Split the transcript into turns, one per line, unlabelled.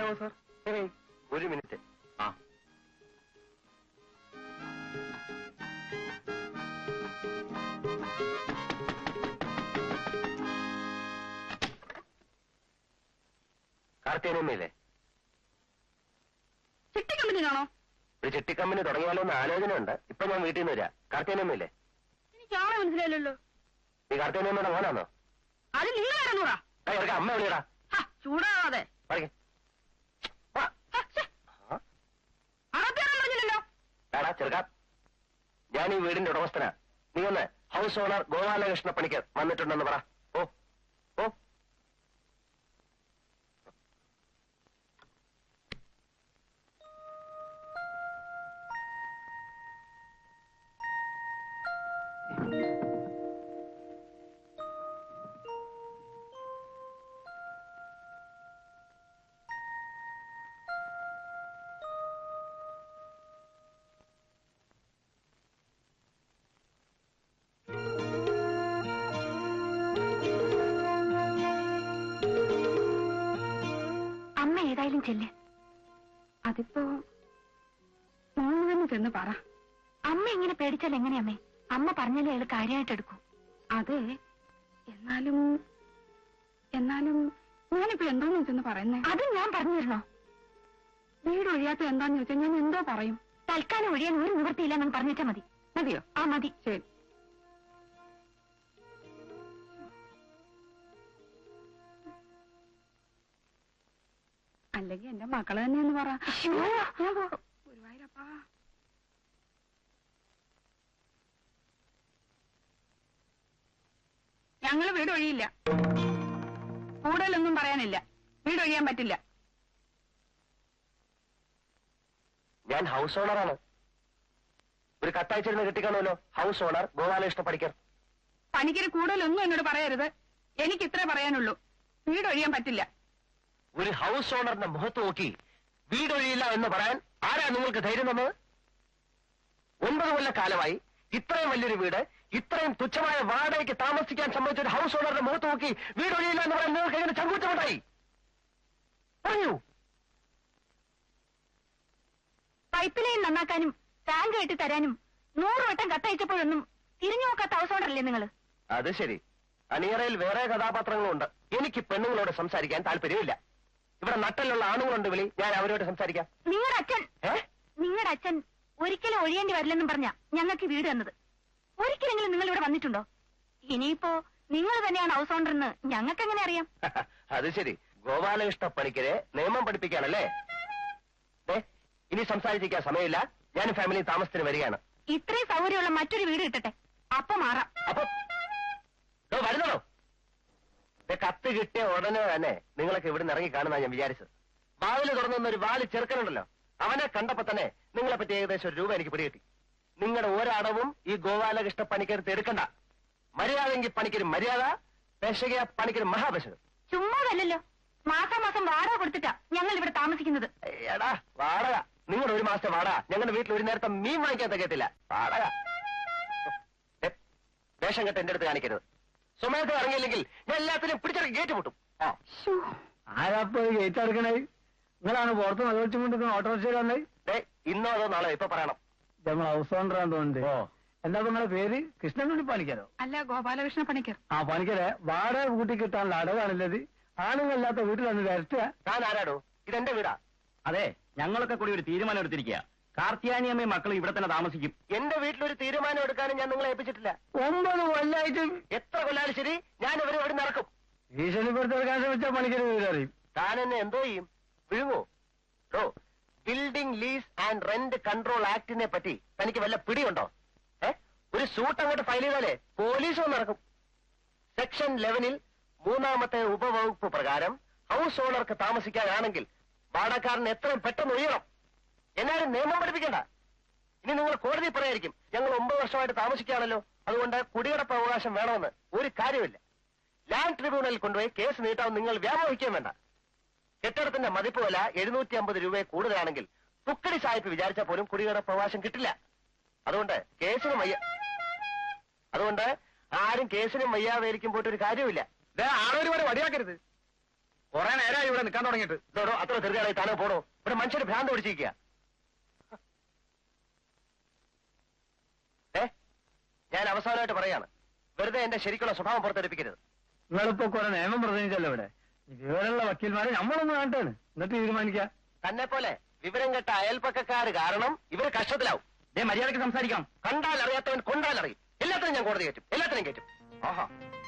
പറയാമോ സാർ?
ഒരു മിനിറ്റ്. ആ, കാർത്തിയനമ്മയില്ലേ?
ചിട്ടി കമ്പനിയാണോ?
ഒരു ചിട്ടി കമ്പനി തുടങ്ങിയാലോ എന്ന് ആലോചനയുണ്ട്. ഇപ്പൊ ഞാൻ വീട്ടിൽ നിന്ന് വരാ. കാർത്തിയനമ്മയില്ലേ?
എനിക്ക് ആളെ മനസ്സിലായില്ലല്ലോ.
നീ കാർത്തിയനമ്മയുടെ മോനാണോ?
അത് നിങ്ങൾ ഇറങ്ങൂടാ.
അമ്മ വിളിയടാ.
ചൂടാവാതെ പറഞ്ഞില്ലല്ലോ.
എടാ ചെറുക്കാ, ഞാൻ ഈ വീടിന്റെ ഉടമസ്ഥനാ. നീ ഒന്ന് ഹൗസ് ഓണർ ഗോപാലകൃഷ്ണ പണിക്കർ വന്നിട്ടുണ്ടെന്ന് പറ. ഓ ഓ
ഏതായാലും ചെല്ല്. അതിപ്പോ മോള് തന്നെ ചെന്ന് പറ. അമ്മ ഇങ്ങനെ പേടിച്ചാൽ എങ്ങനെയമ്മേ? അമ്മ പറഞ്ഞാലേ അയാൾ കാര്യമായിട്ട് എടുക്കൂ. അതെ, എന്നാലും ഞാനിപ്പോ എന്തോന്ന് വെച്ചെന്ന് പറയുന്നേ? അത് ഞാൻ പറഞ്ഞു തരണോ? വീട് ഒഴിയാത്ത എന്താന്ന് ചോദിച്ചാൽ ഞാൻ എന്തോ പറയും. തൽക്കാലം ഒഴിയാൻ ഒരു നിവൃത്തിയില്ല എന്ന് പറഞ്ഞിട്ടാ മതി. മതിയോ? ആ മതി. ശരി. അല്ലെങ്കിൽ എന്റെ മക്കള് തന്നെയെന്ന് പറ. ഗുരുവായൂരപ്പാ. ഞങ്ങള് വീട് ഒഴിയില്ല. കൂടുതലൊന്നും പറയാനില്ല. വീട് ഒഴിയാൻ പറ്റില്ല.
ഞാൻ ഹൗസ് ഓണറാണ്. ഒരു കത്തയച്ചിരുന്ന് കിട്ടിക്കാണല്ലോ. House owner Gopalakrishna Panicker.
പണിക്കര് കൂടുതലൊന്നും എന്നോട് പറയരുത്. എനിക്ക് ഇത്രേ പറയാനുള്ളൂ. വീട് ഒഴിയാൻ പറ്റില്ല.
ഒരു ഹൗസ് ഓണറിന്റെ മുഖത്ത് നോക്കി വീടൊഴിയില്ല എന്ന് പറയാൻ ആരാ നിങ്ങൾക്ക് ധൈര്യം തന്നത്? 9 കൊല്ലക്കാലമായി ഇത്രയും വലിയൊരു വീട് ഇത്രയും തുച്ഛമായ വാടകയ്ക്ക് താമസിക്കാൻ സംബന്ധിച്ച ഒരു ഹൗസ് ഓണറുടെ മുഖത്ത് നോക്കി വീടൊഴിയില്ല എന്ന് പറയാൻ നിങ്ങൾക്ക് എങ്ങനെ ചങ്കൂറ്റമുണ്ടായി? പറയൂ.
പൈപ്പ് ലൈൻ നന്നാക്കാനും ടാങ്ക് കെട്ടി തരാനും 100 വട്ടം കത്തയച്ചപ്പോഴൊന്നും തിരിഞ്ഞു നോക്കാത്ത ഹൗസ് ഓണറല്ലേ നിങ്ങൾ?
അത് ശരി. അണിയറയിൽ വേറെ കഥാപാത്രങ്ങളുണ്ട്. എനിക്ക് പെണ്ണുങ്ങളോട് സംസാരിക്കാൻ താല്പര്യമില്ല. ഇവിടെ നട്ടലുള്ള ആണുങ്ങളുണ്ട്. വിളി, ഞാൻ അവരോട് സംസാരിക്കാം.
നിങ്ങളുടെ അച്ഛൻ ഒരിക്കലും ഒഴിയേണ്ടി വരില്ലെന്നും പറഞ്ഞ ഞങ്ങൾക്ക് വീട് തന്നത്. ഒരിക്കലെങ്കിലും നിങ്ങൾ ഇവിടെ വന്നിട്ടുണ്ടോ? ഇനിയിപ്പോ നിങ്ങൾ തന്നെയാണ് ഹൗസ് ഓണർ എന്ന് ഞങ്ങൾക്ക് എങ്ങനെ അറിയാം?
അത് ശരി. ഗോപാലകൃഷ്ണ പണിക്കരെ നിയമം പഠിപ്പിക്കാനല്ലേ? ഇനി സംസാരിച്ചിരിക്കാൻ സമയമില്ല. ഞാൻ ഫാമിലി താമസത്തിന് വരികയാണ്.
ഇത്രയും സൗകര്യമുള്ള മറ്റൊരു വീട് കിട്ടട്ടെ, അപ്പൊ മാറാം.
അപ്പൊ വരുന്നോ? കത്ത് കിട്ടിയ ഉടനെ തന്നെ നിങ്ങളൊക്കെ ഇവിടെ നിന്ന് ഇറങ്ങി കാണുന്ന ഞാൻ വിചാരിച്ചത്. വാതില് തുറന്നൊരു വാല് ചെറുക്കനുണ്ടല്ലോ, അവനെ കണ്ടപ്പോ തന്നെ നിങ്ങളെ പറ്റി ഏകദേശം ₹1 എനിക്ക് പിടികിട്ടി. നിങ്ങളുടെ ഒരടവും ഈ ഗോപാലകൃഷ്ണ പണിക്കരുത്ത് എടുക്കണ്ട. മര്യാദയെങ്കിൽ പണിക്കൊരു മര്യാദ, പെശക പണിക്കൊരു മഹാപെശകം.
ചുമ്മാതല്ലോ, മാസാമാസം വാടക കൊടുത്തിട്ടാ ഞങ്ങൾ ഇവിടെ താമസിക്കുന്നത്.
എടാ വാടക, നിങ്ങളുടെ 1 മാസത്തെ വാടക ഞങ്ങളുടെ വീട്ടിൽ ഒരു നേരത്തെ മീൻ വാങ്ങിക്കാൻ തികയത്തില്ല. വാടക വേഷം കെട്ട് എന്റെ അടുത്ത് കാണിക്കരുത്. സമയത്ത് ഇറങ്ങിയില്ലെങ്കിൽ ഞാൻ എല്ലാത്തിനും പിടിച്ചിറങ്ങി ഗേറ്റ് പൊട്ടും.
ആരാപ്പോ ഗേറ്റ് എടുക്കണേ? നിങ്ങളാണ് പുറത്ത് മലവെച്ചുകൊണ്ടിരിക്കുന്ന ഓട്ടോറിക്ഷയിൽ വന്നേ?
ഇന്നോ അതോ നാളെ ഇപ്പൊ പറയണം.
നമ്മൾ ഹൗസ് ഓണറാന്ന് തോന്നുന്നുണ്ട്. എന്താ നിങ്ങളെ പേര്? കൃഷ്ണൻകുട്ടി പണിക്കരോ?
അല്ല, ഗോപാലകൃഷ്ണ പണിക്കർ.
ആ പണിക്കരെ, വാടക കൂട്ടി കിട്ടാനുള്ള അടവാണല്ലത്. ആണുങ്ങളില്ലാത്ത വീട്ടിലന്ന് വരട്ടുക.
താൻ ആരാടോ? ഇതെന്റെ വീടാ.
അതെ, ഞങ്ങളൊക്കെ കൂടി ഒരു തീരുമാനം എടുത്തിരിക്കുക. കാർത്തിയാനിയമ്മയും മക്കളും ഇവിടെ തന്നെ താമസിക്കും.
എന്റെ വീട്ടിലൊരു തീരുമാനം എടുക്കാനും ഞാൻ നിങ്ങളെ ഏൽപ്പിച്ചിട്ടില്ല.
9 കൊല്ലായിട്ട്
എത്ര കൊല്ലാലും ശരി, ഞാൻ ഇവരെ ഇവിടെ നടക്കും.
ഭീഷണിപ്പെടുത്തെടുക്കാൻ ശ്രമിച്ച പണിക്കര് വീടറിയും.
താൻ എന്നെ എന്തോ ചെയ്യും? വിഴുങ്ങോ? Building lease and rent control ആക്ടിനെ പറ്റി തനിക്ക് വല്ല പിടിയുണ്ടോ? ഒരു സൂട്ട് അങ്ങോട്ട് ഫയൽ ചെയ്താലേ പോലീസും നടക്കും. സെക്ഷൻ 11 3ാമത്തെ ഉപവകുപ്പ് പ്രകാരം ഹൗസ് ഓണർക്ക് താമസിക്കാനാണെങ്കിൽ വാടകക്കാരൻ എത്രയും പെട്ടെന്ന് ഒഴിയണം. എന്നാലും നിയമം പഠിപ്പിക്കണ്ട. ഇനി നിങ്ങൾ കോടതി പറയായിരിക്കും ഞങ്ങൾ 9 വർഷമായിട്ട് താമസിക്കുകയാണല്ലോ, അതുകൊണ്ട് കുടിയടപ്പ് അവകാശം വേണമെന്ന്. ഒരു കാര്യമില്ല. ലാൻഡ് ട്രിബ്യൂണലിൽ കൊണ്ടുപോയി കേസ് നീട്ടാൻ നിങ്ങൾ വ്യാമോഹിക്കുകയും വേണ്ട. കെട്ടിടത്തിന്റെ മതിപ്പ് വില 750 രൂപയെ കൂടുതലാണെങ്കിൽ തുക്കടി സായിപ്പ് വിചാരിച്ചാൽ പോലും കുടിയടപ്പ് അവകാശം കിട്ടില്ല. അതുകൊണ്ട് ആരും കേസിനും വയ്യാവേലിക്കും പോയിട്ട് ഒരു കാര്യമില്ല.
ആളൊരുപാട് വടിയാക്കരുത്. കുറെ നേരമായി ഇവിടെ നിൽക്കാൻ തുടങ്ങിയിട്ട്.
ഇതോടോ അത്ര ധൃതിയായി താനോ പോടോ. ഇവിടെ മനുഷ്യന് ഭ്രാന്ത് പിടിച്ചിരിക്കുക. ഞാൻ അവസാനമായിട്ട് പറയാണ്, വെറുതെ എന്റെ ശരിക്കുള്ള സ്വഭാവം പുറത്തെടുപ്പിക്കരുത്.
നിങ്ങളിപ്പോ കുറെ നിയമം പ്രസംഗിച്ചല്ലോ ഇവിടെ. വിവരമുള്ള വക്കീൽമാരെ നമ്മളൊന്ന് കാണട്ടാണ്, എന്നിട്ട് തീരുമാനിക്കാം.
തന്നെ പോലെ വിവരം കെട്ട അയൽപ്പക്കക്കാര് കാരണം ഇവര് കഷ്ടത്തിലാവും.
മര്യാദയ്ക്ക് സംസാരിക്കാം.
കണ്ടാൽ അറിയാത്തവൻ കൊണ്ടാൽ അറിയും. എല്ലാത്തിനും ഞാൻ കോടതി കയറ്റും, എല്ലാത്തിനും കയറ്റും.
ആഹാ